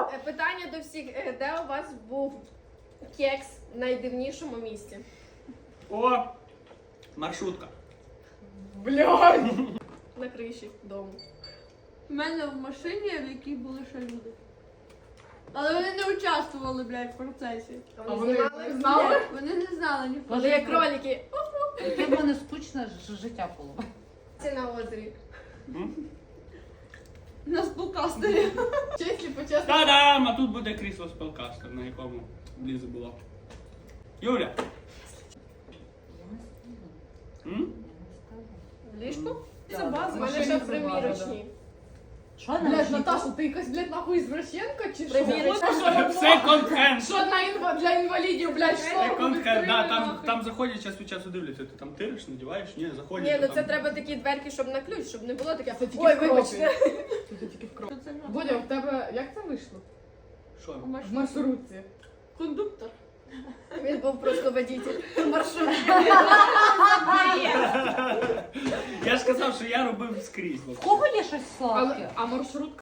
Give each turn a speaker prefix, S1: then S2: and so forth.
S1: Питання до всіх. Де у вас був кекс в найдивнішому місці?
S2: О, маршрутка.
S3: Блядь!
S1: На криші дому.
S4: У мене в машині, в якій були ще люди. Але вони не участвували, блядь, в процесі.
S3: А
S1: Вони
S3: вони
S1: знімали?
S3: знали?
S4: Вони не знали ні
S1: Вони як кролики.
S5: Яке в мене скучне життя було.
S1: Це на озері.
S4: на спілкастері.
S3: Чесно, почесно.
S2: Та-дам! А тут буде крісло спелкастер, на якому Ліза була. Юля.
S5: Я не скажу.
S2: М?
S1: В ліжку?
S3: Це база.
S1: У мене ще примірочні.
S5: Що не
S3: Блядь, Наташа, ти якась, блядь, нахуй извращенка чи що?
S1: Примірочна.
S2: Секонд-хенд.
S3: Що для інвалідів, блядь, що?
S2: Секонд-хенд, да, там заходять час від часу дивляться. Ти там тириш, надіваєш? Ні, заходять.
S1: Ні, ну
S2: то
S1: це
S2: там-
S1: треба такі дверки, щоб на ключ, щоб не було таке.
S3: Це тільки
S1: Ой,
S3: в кропі.
S1: вибачте.
S3: Це тільки в кропі.
S4: Що це за
S3: Бодя, в тебе, як це вийшло?
S2: Що?
S3: В маршрутці.
S4: кондуктор?
S1: Він був просто водитель маршрутки.
S2: Я ж казав, що я робив скрізь.
S5: В кого є щось сладке?
S3: А маршрутка